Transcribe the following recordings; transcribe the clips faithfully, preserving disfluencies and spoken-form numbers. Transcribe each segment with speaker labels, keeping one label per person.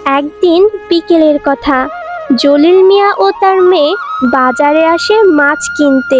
Speaker 1: একদিন বিকেলের কথা। জলিল মিয়া ও তার মেয়ে বাজারে আসে মাছ কিনতে।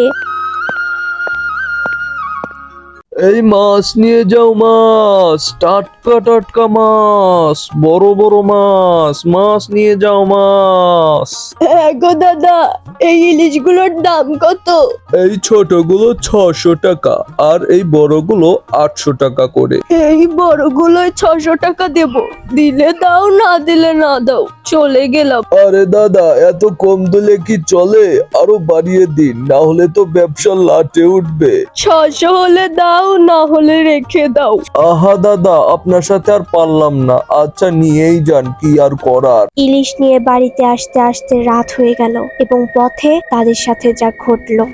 Speaker 2: এই মাছ নিয়ে যাও, মাছ টাটকা টাটকা মাছ, বড় বড় মাছ, মাছ নিয়ে যাও মাছ।
Speaker 3: হ্যাঁ গো দাদা, এই ইলিশগুলোর দাম কত?
Speaker 2: এই ছোটগুলো ছশো টাকা আর এই বড়গুলো আটশো টাকা করে।
Speaker 3: এই বড়গুলোয় ছশো টাকা দেব, দিলে দাও না দিলে না দাও, চলে গেলাম।
Speaker 2: আরে দাদা, এত কম দিলে কি চলে? আরো বাড়িয়ে দিন, না হলে তো ব্যবসা লাটে উঠবে।
Speaker 3: ছশো হলে দাও, না হলে রেখে দাও।
Speaker 2: আহা দাদা, আপনার সাথে আর পারলাম না, আচ্ছা নিয়েই যান, কি আর করার।
Speaker 1: ইলিশ নিয়ে বাড়িতে আসতে আসতে রাত হয়ে গেল এবং পথে তাদের সাথে যা ঘটলো।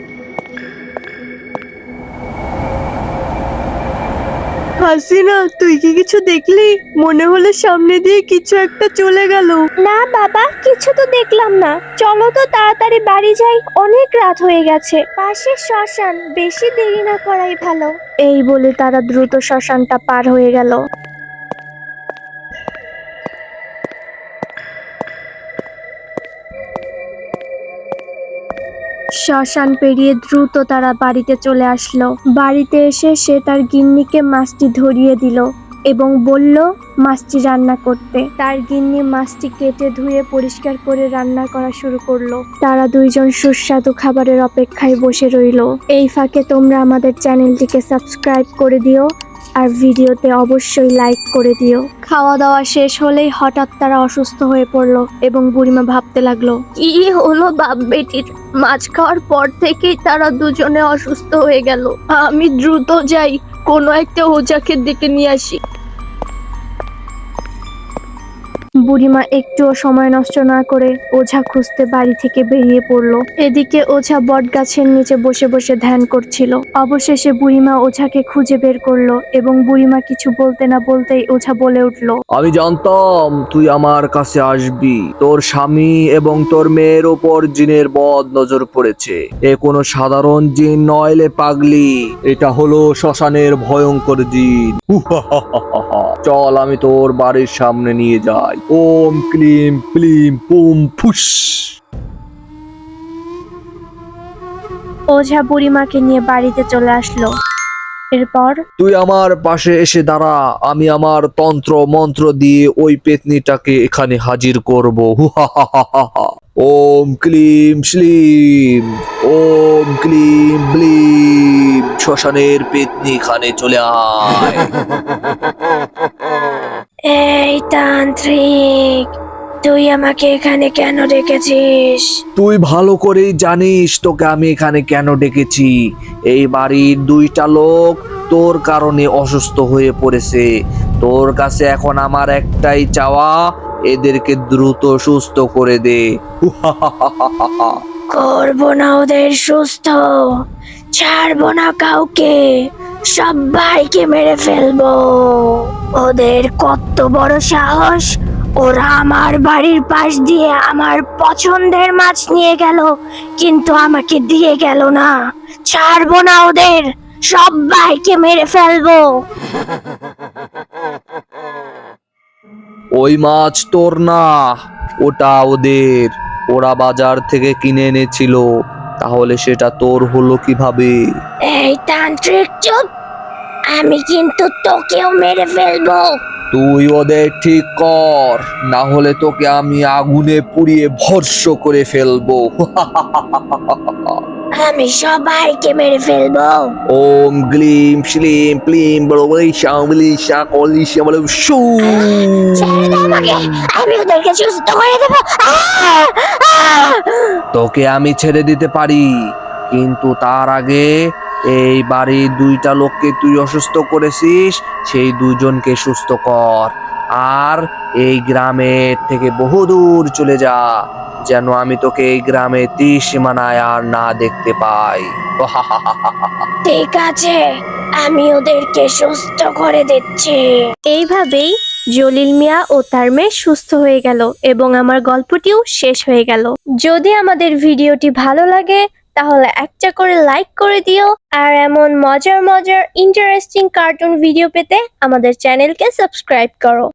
Speaker 3: হাসিনা, তুই কি কিছু দেখলি? মনে হলে সামনে দিয়ে কিছু একটা চলে গেল।
Speaker 1: না বাবা, কিছু তো দেখলাম না। চলো তো তাড়াতাড়ি বাড়ি যাই, অনেক রাত হয়ে গেছে। পাশে শ্মশান, বেশি দেরি না করাই ভালো। এই বলে তারা দ্রুত শ্মশানটা পার হয়ে গেল। শ্মশান পেরিয়ে দ্রুত তারা বাড়িতে চলে আসলো। বাড়িতে এসে সে তার গিন্নিকে মাছটি ধরিয়ে দিল এবং বলল মাছটি রান্না করতে। তার গিন্নি মাছটি কেটে ধুয়ে পরিষ্কার করে রান্না করা শুরু করলো। তারা দুইজন সুস্বাদু খাবারের অপেক্ষায় বসে রইল। এই ফাঁকে তোমরা আমাদের চ্যানেলটিকে সাবস্ক্রাইব করে দিও আর ভিডিওতে অবশ্যই লাইক করে দিও। খাওয়া দাওয়া শেষ হলেই হঠাৎ তারা অসুস্থ হয়ে পড়লো এবং বুড়িমা ভাবতে লাগলো, কি হলো বাপ বেটির? মাছ খাওয়ার পর থেকেই তারা দুজনে অসুস্থ হয়ে গেল। আমি দ্রুত যাই, কোনো একটা ওঝাকে ডেকে নিয়ে আসি। বুড়িমা একটুও সময় নষ্ট না করে ওঝা খুঁজতে বাড়ি থেকে বেরিয়ে পড়লো। এদিকে ওঝা বটগাছের নিচে বসে বসে ধ্যান করছিল। অবশেষে বুড়িমা ওঝাকে খুঁজে বের করলো এবং বুড়িমা কিছু বলতে না বলতেই ওঝা বলে উঠলো,
Speaker 2: আমি জানতাম তুই আমার কাছে আসবি। তোর স্বামী এবং তোর মেয়ের ওপর জিনের বদ নজর পড়েছে। এ কোনো সাধারণ জিন নয়লে পাগলি, এটা হলো শ্মশানের ভয়ঙ্কর জিন। হুহাহাহাহা। চল আমি তোর বাড়ির সামনে নিয়ে যাই। ওম ক্লিম ক্লিম পুম ফুস।
Speaker 1: ওঝা বুড়িমাকে নিয়ে বাড়িতে চলে আসলো। এরপর
Speaker 2: তুই আমার পাশে এসে দাঁড়া, আমি আমার তন্ত্র মন্ত্র দিয়ে ওই পেতনিটাকে এখানে হাজির করব। হুহাহাহাহা। ওম ক্লিম শ্লিম, ওম ক্লিম ব্লিম। শ্মশানের পেতনি এখানে চলে আয়।
Speaker 1: এই তান্ত্রিক, তুই আমাকে এখানে কেন ডেকেছিস?
Speaker 2: তুই ভালো করেই জানিস তোকে আমি এখানে কেন ডেকেছি। এই বাড়ির দুইটা লোক তোর কারণে অসুস্থ হয়ে পড়েছে। তোর কাছে এখন আমার একটাই চাওয়া, এদেরকে দ্রুত সুস্থ করে দে।
Speaker 1: করবো না ওদের সুস্থ, ছাড়বো না কাউকে, সবাইকে মেরে ফেলবো। ওদের কত বড় সাহস! ওরা আমার বাড়ির পাশ দিয়ে আমার পছন্দের মাছ নিয়ে গেল, কিন্তু আমাকে দিয়ে গেল না। ছাড়বো না ওদের, সবাইকে মেরে ফেলবো।
Speaker 2: ওই মাছ তোর না, ওটা ওদের। ওরা বাজার থেকে কিনে এনেছিল, তাহলে সেটা তোর হলো কিভাবে?
Speaker 1: এই তান্ত্রিক চুপ, আমি কিন্তু তোকেও মেরে ফেলবো।
Speaker 2: তুই ওদের ঠিক কর, না হলে তোকে আমি আগুনে পুড়িয়ে ভস্ম করে ফেলবো।
Speaker 1: আমি সবাইকে মেরে ফেলবো।
Speaker 2: ওম গ্লিম শ্লিম প্লিম বলিশা বলিশা কলিশা বলে শু।
Speaker 1: ছেড়ে দে আমাকে, আমি ওদেরকে সুস্থ করে দেবো। আহ! আহ!
Speaker 2: তোকে আমি ছেড়ে দিতে পারি, কিন্তু তার আগে এই বাড়ির দুইটা লোককে তুই অসুস্থ করেছিস, সেই দুইজনকে সুস্থ কর। আর এই গ্রামের থেকে বহুদূর চলে যা, যেন আমি তোকে এই গ্রামে ত্রিসীমানায় আর না দেখতে পাই।
Speaker 1: ঠিক আছে, আমি ওদেরকে সুস্থ করে দিচ্ছি। এইভাবেই জলিল মিয়া ও তার মেয়ে সুস্থ হয়ে গেল এবং আমার গল্পটিও শেষ হয়ে গেল। যদি আমাদের ভিডিওটি ভালো লাগে তাহলে একটা করে লাইক করে দিও আর এমন মজার মজার ইন্টারেস্টিং কার্টুন ভিডিও পেতে আমাদের চ্যানেলকে সাবস্ক্রাইব করো।